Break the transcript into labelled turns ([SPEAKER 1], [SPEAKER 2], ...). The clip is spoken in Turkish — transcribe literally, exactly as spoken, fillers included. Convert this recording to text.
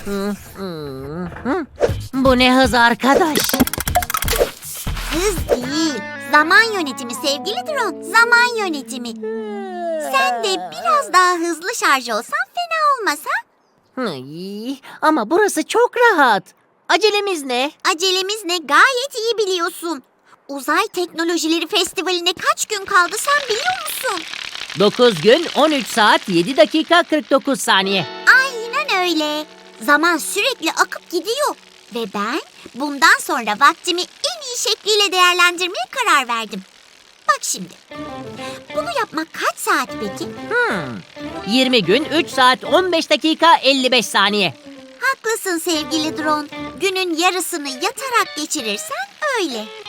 [SPEAKER 1] Bu ne hız arkadaş?
[SPEAKER 2] Hız değil, zaman yönetimi sevgili drone. Zaman yönetimi. Sen de biraz daha hızlı şarj olsan fena olmaz ha?
[SPEAKER 1] Ay, ama burası çok rahat. Acelemiz ne?
[SPEAKER 2] Acelemiz ne gayet iyi biliyorsun. Uzay Teknolojileri Festivali'ne kaç gün kaldı sen biliyor musun?
[SPEAKER 1] dokuz gün on üç saat yedi dakika kırk dokuz saniye.
[SPEAKER 2] Aynen öyle. Zaman sürekli akıp gidiyor. Ve ben bundan sonra vaktimi en iyi şekliyle değerlendirmeye karar verdim. Bak şimdi. Bunu yapmak kaç saat peki?
[SPEAKER 1] Hmm. yirmi gün üç saat on beş dakika elli beş saniye.
[SPEAKER 2] Haklısın sevgili drone. Günün yarısını yatarak geçirirsen öyle.